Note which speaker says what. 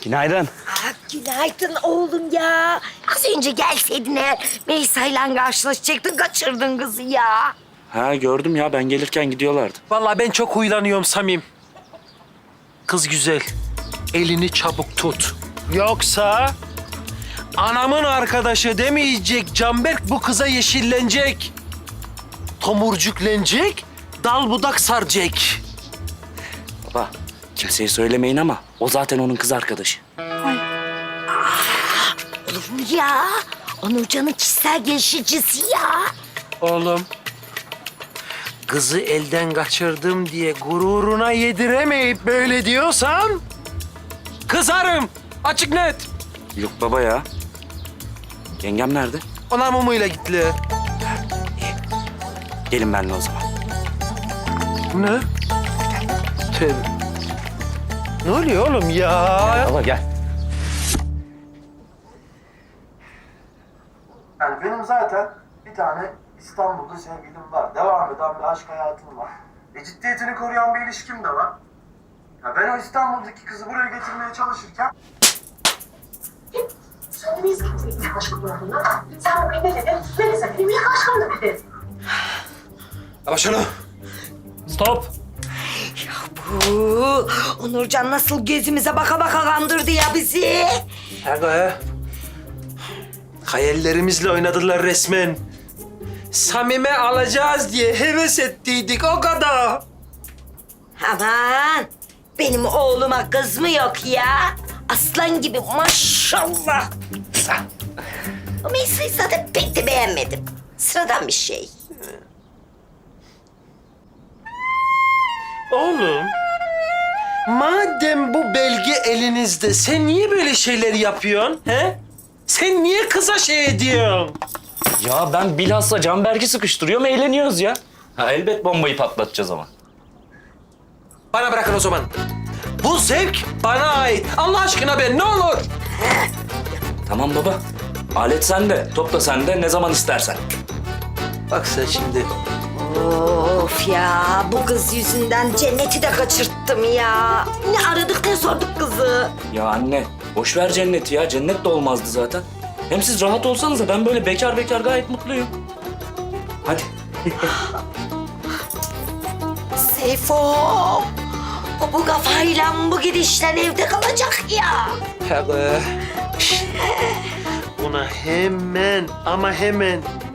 Speaker 1: Günaydın.
Speaker 2: Günaydın oğlum ya. Az önce gelseydin eğer Meysa'yla karşılaşacaktın, kaçırdın kızı ya.
Speaker 1: Ha gördüm ya, ben gelirken gidiyorlardı.
Speaker 3: Vallahi ben çok huylanıyorum Samim. Kız güzel. Elini çabuk tut. Yoksa anamın arkadaşı demeyecek Canberk bu kıza yeşillenecek. Tomurcuklenecek, dal budak saracak.
Speaker 1: Baba, kimseye söylemeyin ama o zaten onun kız arkadaşı.
Speaker 2: Olur mu ya? Onurcan'ın kişisel gelişicisi ya.
Speaker 3: Oğlum, kızı elden kaçırdım diye gururuna yediremeyip böyle diyorsan... kızarım. Açık net.
Speaker 1: Yok baba ya. Yengem nerede?
Speaker 3: Ona mumuyla gittiler.
Speaker 1: Gelin benimle o zaman.
Speaker 3: Ne? Tövbe. Ne oluyor oğlum ya?
Speaker 1: Baba gel.
Speaker 4: Yani benim zaten bir tane İstanbul'da sevgilim var. Devam eden bir aşk hayatım var. Ciddiyetini koruyan bir ilişkim de var. Ya ben o İstanbul'daki kızı buraya getirmeye çalışırken...
Speaker 5: Söylemeyiz kimseye ilk aşkım olduğunu. Sen bugün ne dedin? Melisa benim ilk aşkımdı dedin.
Speaker 3: Ama şunu. Stop.
Speaker 2: Bu Onurcan nasıl gözümüze baka baka kandırdı ya bizi.
Speaker 3: Aga. Hayallerimizle oynadılar resmen. Samime alacağız diye heves ettiydik o kadar.
Speaker 2: Aman benim oğluma kız mı yok ya? Aslan gibi maşallah. O Meysa'yı zaten pek de beğenmedim. Sıradan bir şey.
Speaker 3: Oğlum, madem bu belge elinizde, sen niye böyle şeyler yapıyorsun, he? Sen niye kıza şey ediyorsun?
Speaker 1: Ya ben bilhassa Canberk'i sıkıştırıyorum, eğleniyoruz ya. Ha elbet bombayı patlatacağız ama.
Speaker 3: Bana bırakın o zaman. Bu zevk bana ait. Allah aşkına ben ne olur.
Speaker 1: Tamam baba. Alet sende, top da sende, ne zaman istersen.
Speaker 3: Bak sen şimdi.
Speaker 2: Of ya bu kız yüzünden cenneti de kaçırttım ya. Ne aradık ne sorduk kızı.
Speaker 1: Ya anne, boş ver cenneti ya. Cennet de olmazdı zaten. Hem siz rahat olsanız da ben böyle bekar bekar gayet mutluyum. Hadi.
Speaker 2: Seyfo. O bu kafayla bu gidişten evde kalacak ya.
Speaker 3: Tabii. Buna hemen ama hemen